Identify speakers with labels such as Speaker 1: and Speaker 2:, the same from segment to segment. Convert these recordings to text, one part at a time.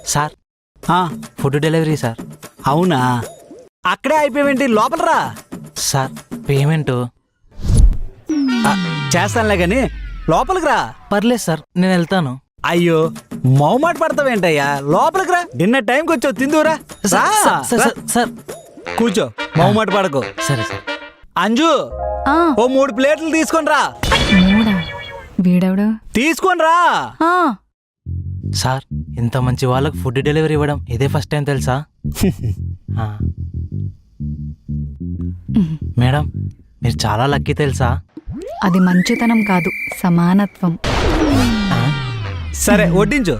Speaker 1: Sir food delivery sir.
Speaker 2: అవునా, అక్కడే అయిపోయావేంటి? లోపల రా.
Speaker 1: సార్ పేమెంట్
Speaker 2: చేస్తానులే గాని లోపలికి రా.
Speaker 1: పర్లేదు సార్, నేను వెళ్తాను.
Speaker 2: అయ్యో, మొహమాట పడతావేంటయ్యా? లోపలికి రా. డిన్నర్ టైంకి వచ్చావు, తిందురా.
Speaker 1: సార్
Speaker 2: కూర్చో, మొహమాట పడకు.
Speaker 1: సరే సార్.
Speaker 2: అంజు, ఓ 3 ప్లేట్లు తీసుకొని రా.
Speaker 3: వీడెవడు?
Speaker 2: తీసుకొని రా.
Speaker 1: సార్, ఇంత మంచి వాళ్ళకి ఫుడ్ డెలివరీ ఇవ్వడం ఇదే ఫస్ట్ టైం తెలుసా? మేడం, మీరు చాలా లక్కీ తెలుసా?
Speaker 3: అది మంచితనం కాదు, సమానత్వం.
Speaker 2: సరే వడ్డించు.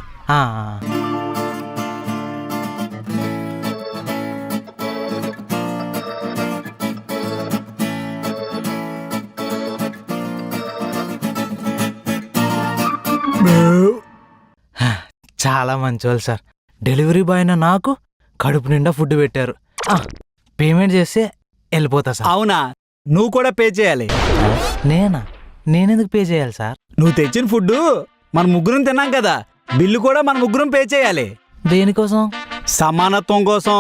Speaker 1: చాలా మంచివాళ్ళు సార్. డెలివరీ బాయ్ అయినా నాకు కడుపు నిండా ఫుడ్ పెట్టారు. పేమెంట్ చేస్తే వెళ్ళిపోతా సార్.
Speaker 2: అవునా, నువ్వు కూడా పే చేయాలి.
Speaker 1: నేనెందుకు పే చేయాలి సార్?
Speaker 2: నువ్వు తెచ్చిన ఫుడ్ మన ముగ్గురం తిన్నాం కదా, బిల్లు కూడా మన ముగ్గురం పే చేయాలి.
Speaker 1: దేనికోసం?
Speaker 2: సమానత్వం కోసం.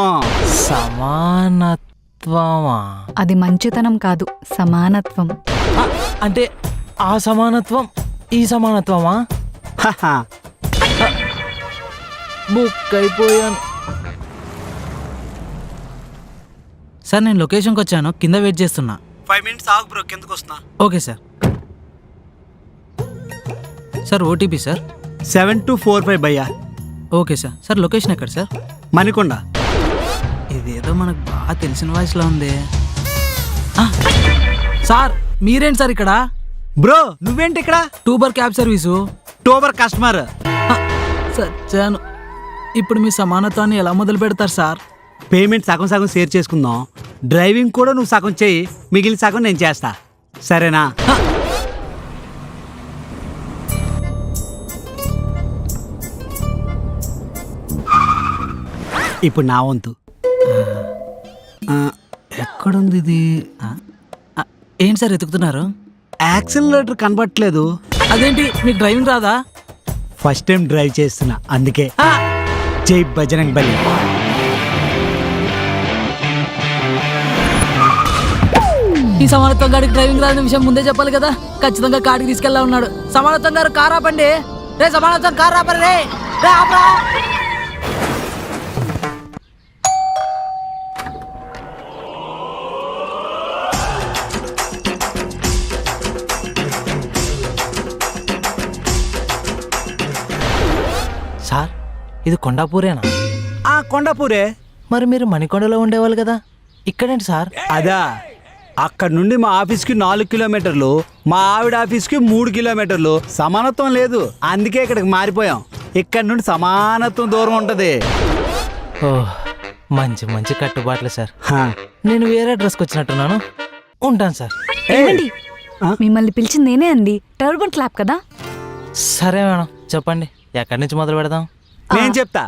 Speaker 1: సమానత్వమా?
Speaker 3: అది మంచితనం కాదు, సమానత్వం.
Speaker 1: అంటే ఆ సమానత్వం ఈ సమానత్వమా? బుక్ అయిపోయాను సార్. నేను లొకేషన్కి వచ్చాను, కింద వెయిట్ చేస్తున్నా.
Speaker 2: 5 minutes ఆగు బ్రో, కిందకు వస్తున్నా.
Speaker 1: Okay sir. Sir OTP sir
Speaker 2: 7245 భయ్యా.
Speaker 1: Okay sir. సార్ లొకేషన్ ఎక్కడ సార్?
Speaker 2: మణికొండ.
Speaker 1: ఇదేదో మనకు బాగా తెలిసిన వాయిస్లో ఉంది. సార్ మీరేంటి సార్ ఇక్కడ?
Speaker 2: బ్రో నువ్వేంటి ఇక్కడ?
Speaker 1: టూబర్ క్యాబ్ సర్వీసు.
Speaker 2: టూబర్ కస్టమర్.
Speaker 1: సచ్చాను. ఇప్పుడు మీ సమానత్వాన్ని ఎలా మొదలు పెడతారు సార్?
Speaker 2: పేమెంట్ సగం సగం షేర్ చేసుకుందాం. డ్రైవింగ్ కూడా నువ్వు సగం చేయి, మిగిలిన సగం నేను చేస్తా, సరేనా? ఇప్పుడు నా వంతు. ఎక్కడుంది ఇది?
Speaker 1: ఏంటి సార్ ఎతుకుతున్నారు?
Speaker 2: యాక్సిలరేటర్ కనబట్టలేదు.
Speaker 1: అదేంటి, మీకు డ్రైవింగ్ రాదా?
Speaker 2: ఫస్ట్ టైం డ్రైవ్ చేస్తున్నా, అందుకే. జై బజరంగ్ బలి.
Speaker 1: ఈ సమానత్వం గారికి డ్రైవింగ్ రాని విషయం ముందే చెప్పాలి కదా. ఖచ్చితంగా కాడికి తీసుకెళ్ళా ఉన్నాడు. సమానత్వం గారు కార్ ఆపండి. రే సమానత్వం కార్ ఆపండి. రే ఆపరా. సార్ ఇది కొండాపూరేనా?
Speaker 2: కొండాపూరే.
Speaker 1: మరి మీరు మణికొండలో ఉండేవాళ్ళు కదా, ఇక్కడేంటి సార్?
Speaker 2: అదా, అక్కడ నుండి మా ఆఫీస్కి 4 కిలోమీటర్లు, మా ఆవిడ ఆఫీస్కి 3 కిలోమీటర్లు. సమానత్వం లేదు, అందుకే ఇక్కడికి మారిపోయాం. ఇక్కడ నుండి సమానత్వం దూరం ఉంటది.
Speaker 1: ఓహ్, మంచి మంచి కట్టుబాట్లు సార్. నేను వేరే అడ్రస్కి వచ్చినట్టున్నాను, ఉంటాను సార్.
Speaker 3: ఏమండి, మిమ్మల్ని పిలిచింది నేనే అండి. టర్బన్ క్లాప్ కదా.
Speaker 1: సరే మేడం, చెప్పండి ఎక్కడి నుంచి మొదలు పెడదాం?
Speaker 2: నేను చెప్తా.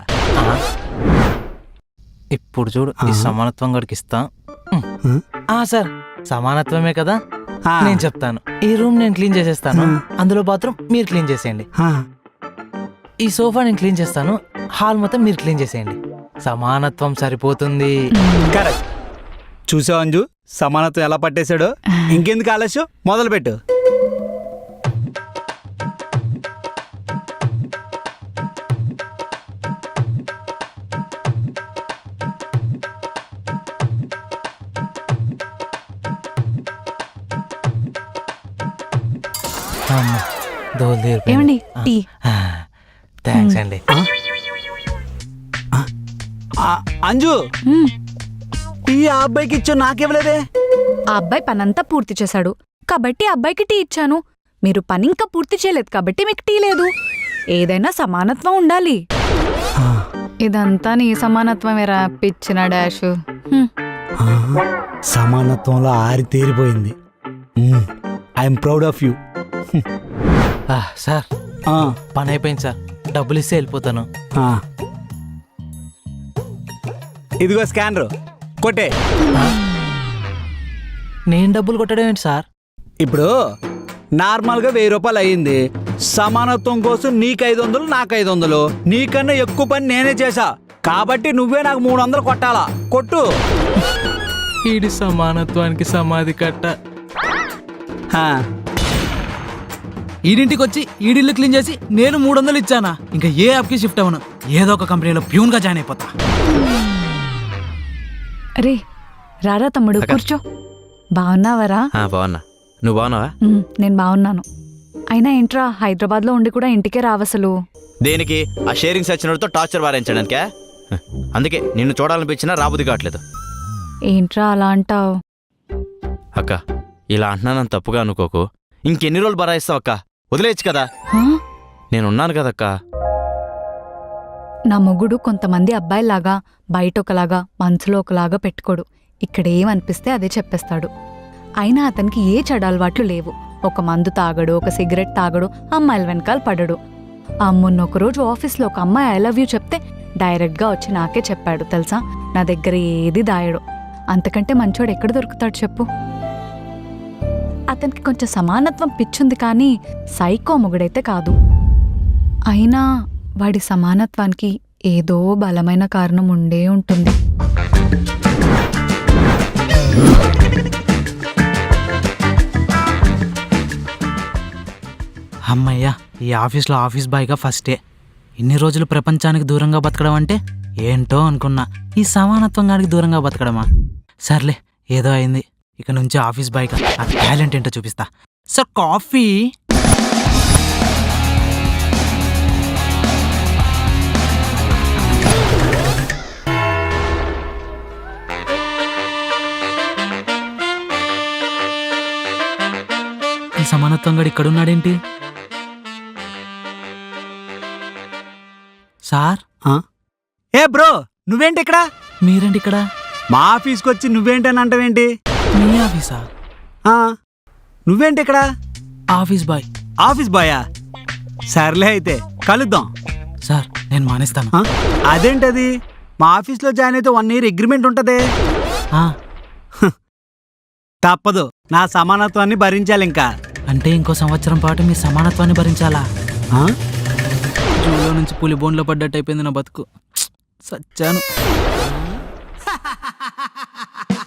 Speaker 1: ఇప్పుడు చూడు, ఈ సమానత్వం గడికి ఇస్తా. సార్ సమానత్వమే కదా, నేను చెప్తాను. ఈ రూమ్ నేను క్లీన్ చేసేస్తాను, అందులో బాత్రూమ్ మీరు క్లీన్ చేసేయండి. ఈ సోఫా నేను క్లీన్ చేస్తాను, హాల్ మొత్తం మీరు క్లీన్ చేసేయండి. సమానత్వం సరిపోతుంది.
Speaker 2: కరెక్ట్. చూసావు అంజు, సమానత్వం ఎలా పట్టేశాడో. ఇంకెందుకు ఆలస్యం, మొదలు పెట్టు.
Speaker 3: ఏమండి, టీ.
Speaker 1: థ్యాంక్స్ అండి.
Speaker 2: అంజు, టీ ఆ అబ్బాయికి ఇచ్చా, నాకివ్వలేదే.
Speaker 3: ఆ అబ్బాయి పనంతా పూర్తి చేశాడు కాబట్టి అబ్బాయికి టీ ఇచ్చాను. మీరు పని ఇంకా పూర్తి చేయలేదు కాబట్టి మీకు టీ లేదు. ఏదైనా సమానత్వం ఉండాలి. ఇదంతా నీ సమానత్వమేరా పిచ్చిన డాష్.
Speaker 2: సమానత్వంలో ఆరి తేరిపోయింది. I'm proud of you.
Speaker 1: Sir పని అయిపోయింది సార్, డబ్బులు ఇస్తే వెళ్ళిపోతాను.
Speaker 2: ఇదిగో స్కానర్, కొట్టే.
Speaker 1: నేను డబ్బులు కొట్టడం ఏంటి సార్?
Speaker 2: ఇప్పుడు నార్మల్గా 1000 రూపాయలు అయ్యింది. సమానత్వం కోసం నీకు 500 నాకు 500 నీకన్నా ఎక్కువ పని నేనే చేశా కాబట్టి నువ్వే నాకు 300 కొట్టాలా కొట్టు.
Speaker 1: ఈడి సమానత్వానికి సమాధి కట్ట.
Speaker 2: హా.
Speaker 4: ఈడింటికి వచ్చి ఈడిల్లు క్లీన్ చేసి నేను 300 ఇచ్చానా? ఇంకా ఏ యాప్కి షిఫ్ట్ అవ్వను, ఏదో ఒక కంపెనీలో ప్యూన్గా జాయిన్ అయిపోతా.
Speaker 3: రే రారా తమ్ముడు కూర్చో. బాగున్నావరా?
Speaker 5: బాగున్నా, నువ్వు బాగున్నావా?
Speaker 3: నేను బాగున్నాను. అయినా ఏంట్రా హైదరాబాద్లో ఉండి కూడా ఇంటికే రావసలు?
Speaker 5: దేనికి? ఆ షేరింగ్ సచ్చినోడితో టార్చర్ వారించడానికే. అందుకే నిన్ను చూడాలనిపించినా రాబుద్ది కావట్లేదు.
Speaker 3: ఏంట్రా అలా అంటావు?
Speaker 5: అక్క ఇలా అంటున్నానని తప్పుగా అనుకోకు. ఇంకెన్ని రోజులు బరాయిస్తావు అక్క? వదిలేయచ్చు కదా, నేనున్నాను కదక్క.
Speaker 3: నా మొగుడు కొంతమంది అబ్బాయిలాగా బయట ఒకలాగా మనసులో ఒకలాగా పెట్టుకోడు. ఇక్కడ ఏమనిపిస్తే అదే చెప్పేస్తాడు. అయినా అతనికి ఏ చెడు అలవాట్లు లేవు. ఒక మందు తాగడు, ఒక సిగరెట్ తాగడు, అమ్మాయిల వెనకాల పడడు. మొన్న ఒకరోజు ఆఫీస్లో ఒక అమ్మాయి ఐ లవ్ యూ చెప్తే డైరెక్ట్గా వచ్చి నాకే చెప్పాడు తెలుసా. నా దగ్గర ఏది దాయడు. అంతకంటే మంచోడు ఎక్కడ దొరుకుతాడు చెప్పు? అతనికి కొంచెం సమానత్వం పిచ్చుంది కానీ సైకో మొగుడైతే కాదు. అయినా వాడి సమానత్వానికి ఏదో బలమైన కారణం ఉండే ఉంటుంది.
Speaker 4: అమ్మయ్యా, ఈ ఆఫీస్లో ఆఫీస్ బాయ్గా ఫస్టే. ఇన్ని రోజులు ప్రపంచానికి దూరంగా బతకడం అంటే ఏంటో అనుకున్నా. ఈ సమానత్వం గానికి దూరంగా బతకడమా? సర్లే, ఏదో అయింది. ఇక నుంచి ఆఫీస్ బాయ్గా ఆ టాలెంట్ ఏంటో చూపిస్తా. Sir coffee. ఈ సమానత్వం గడు ఇక్కడున్నాడేంటి? సార్,
Speaker 2: ఏ బ్రో, నువ్వేంటి ఇక్కడ?
Speaker 4: మీరేంటి ఇక్కడ?
Speaker 2: మా ఆఫీస్కి వచ్చి నువ్వేంటని అంటావేంటి?
Speaker 4: మీ ఆఫీసా?
Speaker 2: నువ్వేంటి ఇక్కడ?
Speaker 4: Office boy.
Speaker 2: ఆఫీస్ బాయా? సర్లే అయితే కలుద్దాం.
Speaker 4: సార్, నేను మానేస్తాను.
Speaker 2: అదేంటది? మా ఆఫీస్లో జాయిన్ అయితే 1 year అగ్రిమెంట్ ఉంటదే. తప్పదు, నా సమానత్వాన్ని భరించాలి ఇంకా.
Speaker 4: అంటే ఇంకో సంవత్సరం పాటు మీ సమానత్వాన్ని భరించాలా? జూలో నుంచి పులి బోన్లో పడ్డట్టు అయిపోయింది నా బతుకు. సచ్చాను.